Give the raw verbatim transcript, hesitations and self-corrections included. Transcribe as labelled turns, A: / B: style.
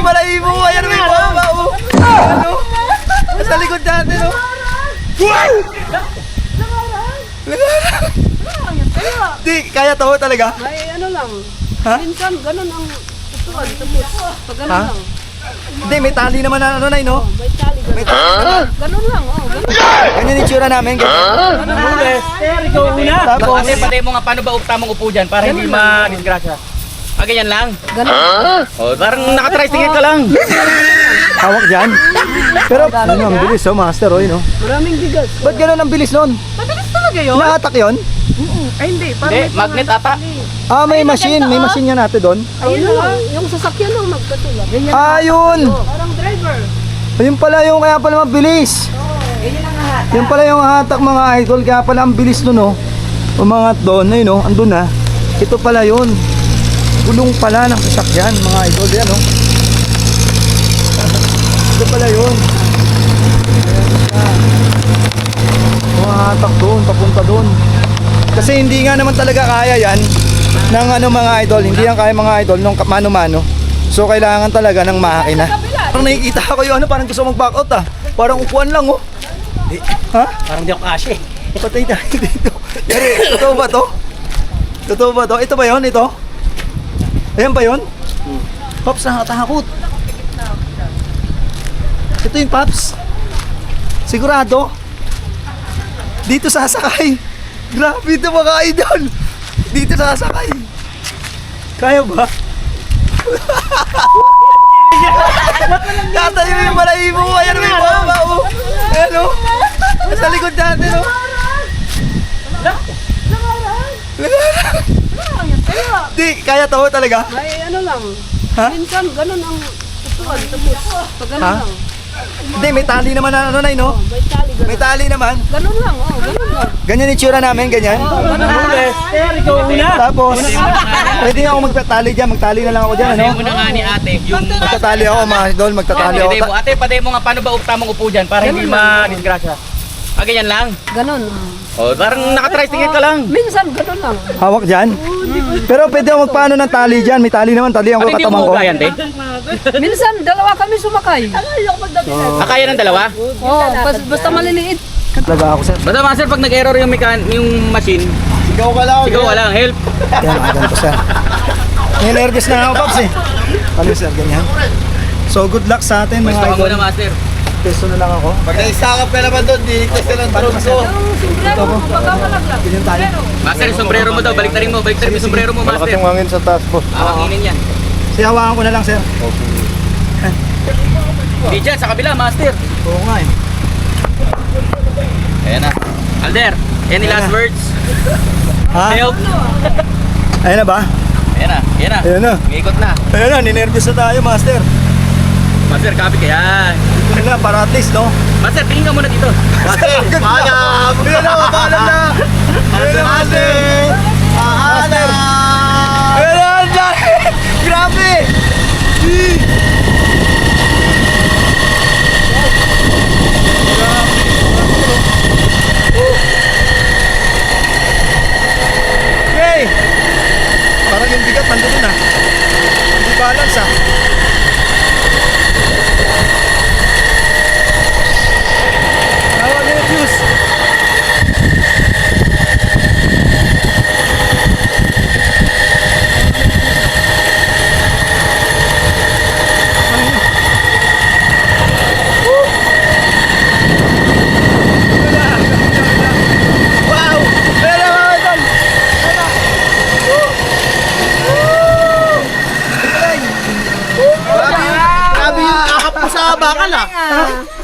A: yung balahibo mo. Ayan may baba oh. Ano? Sa likod natin oh. Wow! Di, kaya to talaga?
B: May ano lang.
A: Ha?
B: Minsan ganun ang tutuan. Tapos pag ganun
A: Ha?
B: lang.
A: Hindi, may tali naman na ano na no?
B: May tali ganun.
A: May tali.
B: Ganun lang. Oh, ganun.
A: Ganyan yung tsura namin. Ganyan.
C: Sir, ikaw una.
A: Tapos,
D: Ate, patay mo nga paano ba tamang upo dyan para hindi ma-disgrasya. Ah, ganyan lang?
B: Ganun.
D: Oh, parang nakatricycle ka lang.
A: hawak dyan. Pero, ano, ang bilis oh, master oh, yun oh.
B: Maraming bigas.
A: Ba't gano'n ang bilis nun?
B: Mabilis talaga yun?
A: Naatak yun?
B: Ay hindi. Parang
D: Hindi, magnet ata.
A: Ah, may machine. May machine nga natin doon.
B: Ayun lang. Yung sasakyan lang magkatulad. Ganyan.
A: Ah, yun.
B: Parang driver.
A: Ayun pala yung kaya pala mabilis.
B: Ganyan ang hahat.
A: Yung pala yung hatak mga idol, kaya pala ang bilis nun oh. Umangat doon, ayun oh, andun na. Ito pala yun. Gulong pala ng sasakyan mga idol, yan oh. Ito pala yun. Ayan siya. Umahatak doon, papunta doon. Kasi hindi nga naman talaga kaya yan ng ano mga idol, hindi yan kaya mga idol ng mano-mano. So kailangan talaga ng makina. Parang nakikita ko yung ano, parang gusto mag-back out ah. Parang upuan lang oh. Ha?
C: Parang di ako kasya eh.
A: Patay tayo dito. Yari, totoo ba to? Totoo ba to? Ito ba yun? Ito? Ayan ba yun? Pops, nakatakot. Ito yung Pops. Sigurado? Dito sasakay. Grabe ito mga idol. Dito sasakay. Kaya ba? Tatayo yung balahibo mo. Ayan may baba oh. Ayan oh. Sa likod natin oh. Di, kaya to talaga?
B: May ano lang.
A: Ha?
B: Minsan ganun ang tutuan. Tapos pag ganun
A: Ha?
B: lang.
A: Hindi, may tali naman na ano na no?
B: May tali ganun.
A: May tali naman.
B: Ganun lang. Oh, ganun lang.
A: Ganyan yung tsura namin, ganyan.
C: Sir, ikaw una.
A: Tapos, pwede nga ako magtatali dyan. Magtali na lang ako dyan, ano?
D: Patay mo na nga ni ate yung...
A: Magtatali ako, mga idol. Magtatali ako.
D: Patay mo. Ate, patay mo nga paano ba tamang upo dyan para hindi ma-disgrasya. Ah, ganyan lang?
B: Ganun.
D: Oh, parang nakatricycle ka lang.
B: Minsan ganun lang.
A: Hawak dyan. Pero pwede ako magpaano ng tali dyan. May tali naman, tali ang
D: Ano hindi
A: katamang
D: mo
A: ko.
D: kaya, te?
B: Minsan dalawa kami sumakay.
D: Ah, kaya ng dalawa?
B: Oh, bas- basta maliliit.
A: Talaga ako, sir.
D: Basta master, pag nag-error yung, mekan yung machine,
A: Sigaw ka lang.
D: sigaw ka lang, help.
A: Yan, mga ganito, sir. May nervous na ako, Pops, eh. Ano, sir, ganyan. So, good luck sa atin, mga
D: Basta ka
A: idol.
D: muna, master.
A: Peso na lang ako.
E: Pag naisakap ka naman doon, di ka sila ng drone ko.
B: Ito mo, pagkamalaglag.
A: Ganyan tayo.
D: Master, yung sombrero mo daw, baliktarin mo, baliktarin mo yung sombrero mo, master.
E: hangin sa taas, boss.
D: Awanginin yan.
A: Sige, hawakan ko na lang, sir.
D: Hindi dyan, sa kabila, master.
A: Oo nga, eh.
D: Ayan na. Alder, any last words?
A: Ha?
D: Help.
A: Ayan na ba?
D: Ayan na, ayan na.
A: Ayan na.
D: Ikot na.
A: Ayan na, ninervous na tayo, master.
D: Master, kapit ka yan.
A: Dito na lang, para at least, no?
D: Master, tingin ka muna dito.
E: Master, paalam!
A: Ayan na, mapaalam na. Ayan na, master. Master. Ayan na, ang dami. Grabe. Eee. Okay. Parang yung bigat nandun na. Hindi balance ah. Tawag na yung fuse. Wow! Ayan na mga idol! Ayan na! Woo! Woo! Galing!
E: Grabe yung akap mo sa bakal ah.